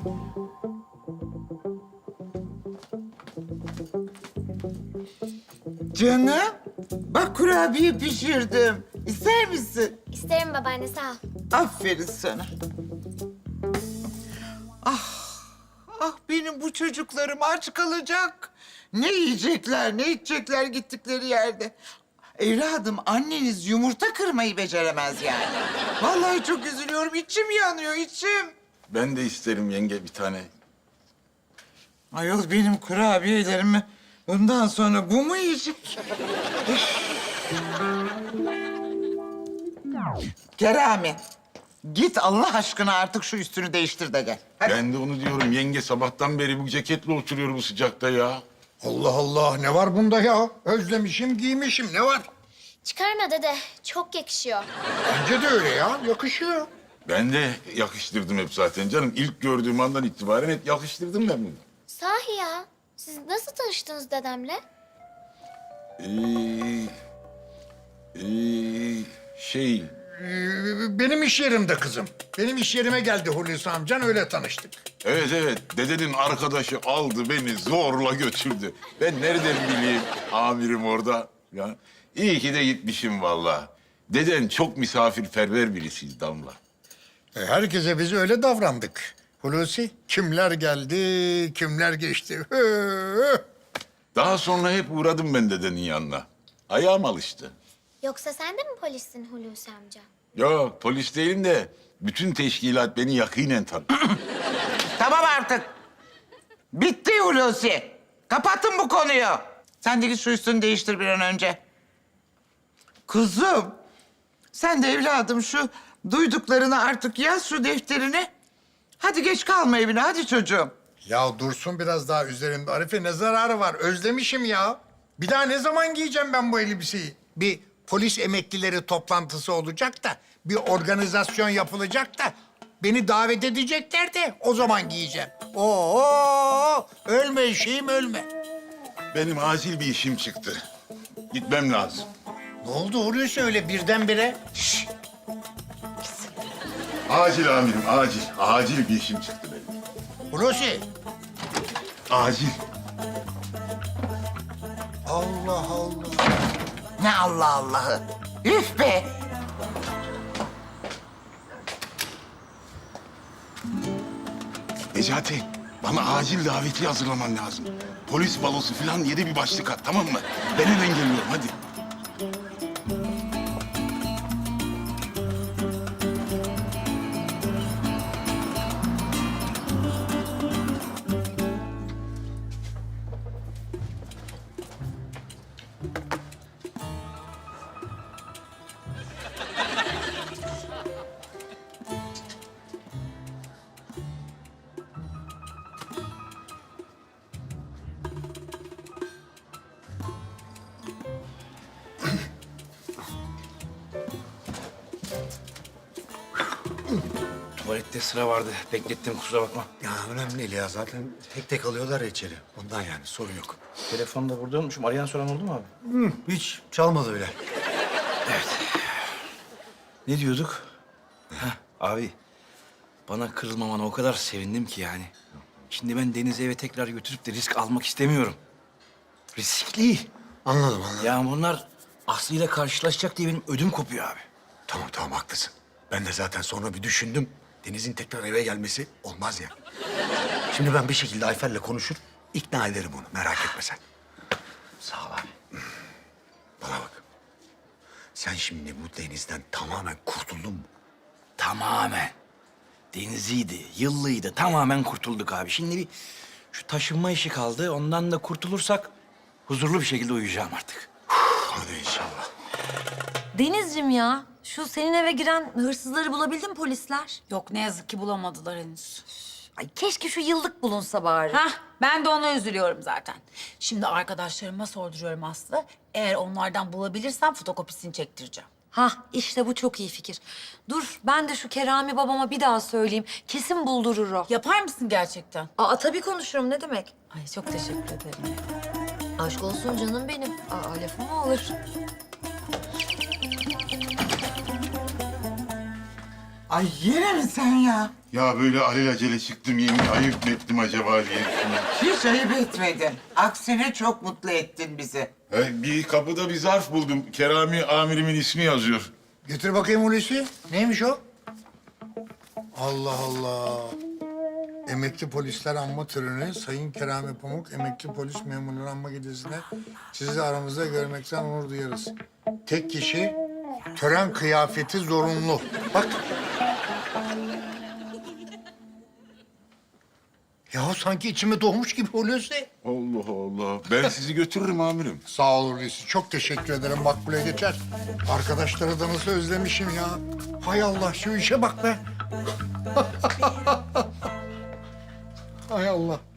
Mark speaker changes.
Speaker 1: Canım, bak kurabiye pişirdim. İster misin?
Speaker 2: İsterim babaanne, sağ ol.
Speaker 1: Aferin sana. Ah benim bu çocuklarım aç kalacak. Ne yiyecekler, ne içecekler gittikleri yerde. Evladım, anneniz yumurta kırmayı beceremez yani. Vallahi çok üzülüyorum, içim yanıyor, içim.
Speaker 3: Ben de isterim yenge bir tane.
Speaker 1: Ayol benim kurabiyelerimi bundan sonra bu mu yiyecek? Kerami, git Allah aşkına artık şu üstünü değiştir de gel. Hadi.
Speaker 3: Ben de onu diyorum yenge, sabahtan beri bu ceketle oturuyor bu sıcakta ya.
Speaker 4: Allah Allah, ne var bunda ya? Özlemişim, giymişim, ne var?
Speaker 2: Çıkarma dede, çok yakışıyor.
Speaker 4: Bence de öyle ya, yakışıyor.
Speaker 3: Ben de yakıştırdım hep zaten canım. İlk gördüğüm andan itibaren hep yakıştırdım ben bunu.
Speaker 2: Sahi ya, siz nasıl tanıştınız dedemle?
Speaker 3: Şey,
Speaker 4: Benim iş yerimde kızım. Benim iş yerime geldi Hulusi amcan, öyle tanıştık.
Speaker 3: evet, dedenin arkadaşı aldı beni zorla götürdü. Ben nereden bileyim amirim orada ya. İyi ki de gitmişim vallahi. Deden çok misafirperver birisiyiz Damla.
Speaker 4: Herkese biz öyle davrandık. Hulusi, kimler geldi, kimler geçti.
Speaker 3: Daha sonra hep uğradım ben dedenin yanına. Ayağım alıştı.
Speaker 2: Yoksa sen de mi polissin Hulusi amca?
Speaker 3: Yok, polis değilim de bütün teşkilat beni yakinen tanır.
Speaker 1: Tamam artık. Bitti Hulusi. Kapattım bu konuyu. Sen de git şu üstünü değiştir bir an önce. Kuzum, sen de evladım şu duyduklarını artık yaz şu defterine. Hadi geç kalma evine, hadi çocuğum.
Speaker 4: Ya dursun biraz daha üzerinde Arife, ne zararı var? Özlemişim ya. Bir daha ne zaman giyeceğim ben bu elbiseyi? Bir polis emeklileri toplantısı olacak da, bir organizasyon yapılacak da beni davet edecekler de o zaman giyeceğim. Oo, ölme şeyim, ölme.
Speaker 3: Benim acil bir işim çıktı. Gitmem lazım.
Speaker 4: Ne oldu Hulusi öyle birdenbire?
Speaker 3: Acil amirim, acil. Acil bir işim çıktı benim.
Speaker 4: Hulusi.
Speaker 3: Acil.
Speaker 4: Allah Allah.
Speaker 1: Ne Allah Allah'ı. Üf be.
Speaker 3: Necati, bana acil daveti hazırlaman lazım. Polis balosu falan yedi bir başlık at, tamam mı? Ben hemen geliyorum, hadi.
Speaker 5: Tuvalette sıra vardı. Beklettim, kusura bakma.
Speaker 6: Ya önemli değil ya. Zaten tek tek alıyorlar ya içeri. Ondan yani sorun yok.
Speaker 5: Telefonu da burada unutmuşum. Arayan soran oldu mu abi?
Speaker 6: Hiç çalmadı bile.
Speaker 5: Ne diyorduk? Heh, abi, bana kırılmamana o kadar sevindim ki yani. Şimdi ben Deniz'i eve tekrar götürüp de risk almak istemiyorum. Riskli.
Speaker 6: Anladım.
Speaker 5: Ya bunlar Aslı ile karşılaşacak diye benim ödüm kopuyor abi.
Speaker 6: Tamam haklısın. Ben de zaten sonra bir düşündüm. Deniz'in tekrar eve gelmesi olmaz ya. Şimdi ben bir şekilde Ayfer'le konuşur, ikna ederim onu. Merak etme sen.
Speaker 5: Sağ ol abi.
Speaker 6: Bana bak. Sen şimdi bu Deniz'den tamamen kurtuldun mu?
Speaker 5: Tamamen. Deniziydi, yıllıydı. Tamamen kurtulduk abi. Şimdi bir şu taşınma işi kaldı. Ondan da kurtulursak huzurlu bir şekilde uyuyacağım artık.
Speaker 6: Hadi inşallah.
Speaker 7: Denizciğim ya, şu senin eve giren hırsızları bulabildin mi polisler?
Speaker 8: Yok ne yazık ki bulamadılar henüz.
Speaker 7: Ay keşke şu yıllık bulunsa bari.
Speaker 8: Hah ben de ona üzülüyorum zaten. Şimdi arkadaşlarıma sorduruyorum Aslı. Eğer onlardan bulabilirsem fotokopisini çektireceğim.
Speaker 7: Hah, işte bu çok iyi fikir. Dur, ben de şu Kerami babama bir daha söyleyeyim. Kesin buldurur o.
Speaker 8: Yapar mısın gerçekten?
Speaker 7: Aa, tabii konuşurum, ne demek?
Speaker 8: Ay çok teşekkür ederim.
Speaker 7: Aşk olsun canım benim. Aa, lafım mı olur?
Speaker 1: Ay yine mi sen ya?
Speaker 3: Ya böyle alelacele çıktım yemin ayıp mı ettim acaba diye düşünüyorum.
Speaker 1: Hiç ayıp etmedin. Aksine çok mutlu ettin bizi.
Speaker 3: Bir kapıda bir zarf buldum. Kerami amirimin ismi yazıyor.
Speaker 4: Getir bakayım Hulusi. Neymiş o? Allah Allah. Emekli polisler anma töreni, Sayın Kerami Pamuk, emekli polis memurları anma gecesinde sizi aramızda görmekten onur duyarız. Tek kişi, tören kıyafeti zorunlu. Bak. Ya sanki içime doğmuş gibi Hulusi.
Speaker 3: Allah Allah. Ben sizi götürürüm amirim.
Speaker 4: Sağ ol Hulusi. Çok teşekkür ederim. Makbule geçer. Arkadaşları da nasıl özlemişim ya. Hay Allah şu işe bak be. Hay Allah.